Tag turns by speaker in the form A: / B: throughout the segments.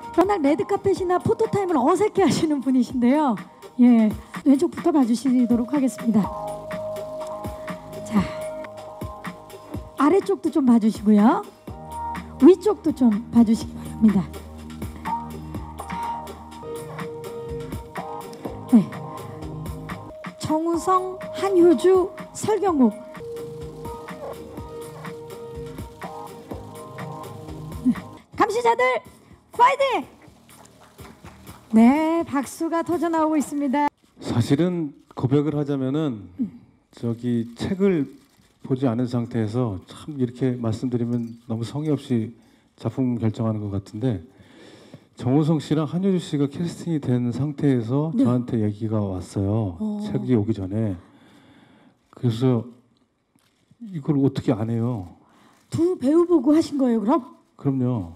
A: 워낙 레드카펫이나 포토타임을 어색해 하시는 분이신데요. 예, 왼쪽부터 봐주시도록 하겠습니다. 자, 아래쪽도 좀 봐주시고요. 위쪽도 좀 봐주시기 바랍니다. 네, 정우성, 한효주, 설경국. 네. 감시자들 파이팅! 네, 박수가 터져 나오고 있습니다.
B: 사실은 고백을 하자면은 저기 책을 보지 않은 상태에서 참 이렇게 말씀드리면 너무 성의 없이 작품 결정하는 것 같은데, 정우성 씨랑 한효주 씨가 캐스팅이 된 상태에서
A: 네.
B: 저한테 얘기가 왔어요. 책이 오기 전에. 그래서 이걸 어떻게 안 해요?
A: 두 배우 보고 하신 거예요, 그럼?
B: 그럼요.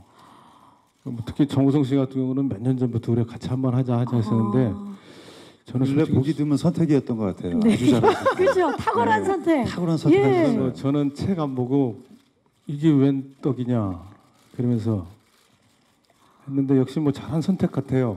B: 특히 정우성 씨 같은 경우는 몇 년 전부터 우리가 같이 한번 하자 했었는데, 저는
C: 원래
B: 솔직히
C: 보기 드문 선택이었던 것 같아요.
A: 네.
C: 아주 잘하셨어요.
A: 그렇죠. 탁월한
C: 네.
A: 선택.
C: 탁월한 선택하셨어요.
A: 예.
B: 그래서 저는 책 안 보고 이게 웬 떡이냐 그러면서 했는데, 역시 뭐 잘한 선택 같아요.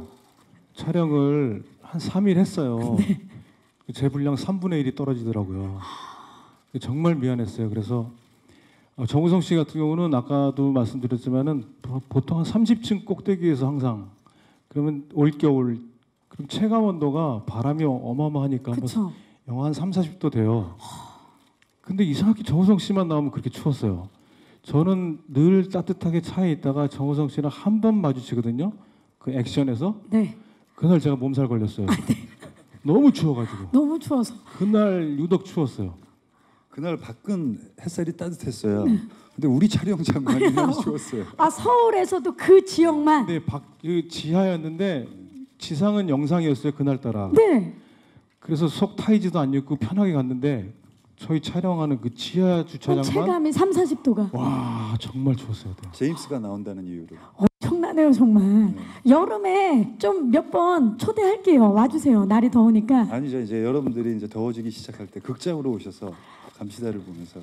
B: 촬영을 한 3일 했어요. 제 분량 3분의 1이 떨어지더라고요. 정말 미안했어요. 그래서 정우성 씨 같은 경우는 아까도 말씀드렸지만은 보통 한 30층 꼭대기에서 항상, 그러면 올겨울 그럼 체감 온도가 바람이 어마어마하니까 뭐 영하 한 3, 40도 돼요. 근데 이상하게 정우성 씨만 나오면 그렇게 추웠어요. 저는 늘 따뜻하게 차에 있다가 정우성 씨랑 한 번 마주치거든요. 그 액션에서.
A: 네.
B: 그날 제가 몸살 걸렸어요. 너무 추워가지고.
A: 너무 추워서.
B: 그날 유독 추웠어요.
C: 그날 밖은 햇살이 따뜻했어요. 근데 우리 촬영장만이 너무 추웠어요.
A: 아, 서울에서도 그 지역만.
B: 근데 그 지하였는데 지상은 영상이었어요, 그날따라.
A: 네.
B: 그래서 속 타이즈도 안 입고 편하게 갔는데 저희 촬영하는 그 지하 주차장만
A: 체감이 3, 40도가.
B: 와, 정말 추웠어요.
C: 제임스가 나온다는 이유로.
A: 엄청나네요, 정말. 여름에 좀 몇 번 초대할게요. 와주세요. 날이 더우니까.
C: 아니죠. 이제 여러분들이 이제 더워지기 시작할 때 극장으로 오셔서 감시다를 보면서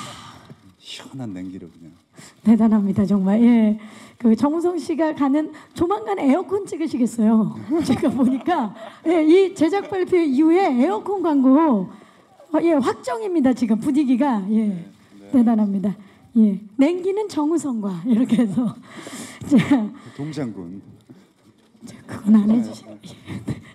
C: 시원한 냉기를 그냥.
A: 대단합니다, 정말. 예. 그 정우성 씨가 가는 조만간 에어컨 찍으시겠어요. 제가 보니까 예, 이 제작 발표 이후에 에어컨 광고 예, 확정입니다. 지금 분위기가 예, 대단합니다. 예, 냉기는 정우성과 이렇게 해서 자,
C: 동장군.
A: 그건 안 해주시네.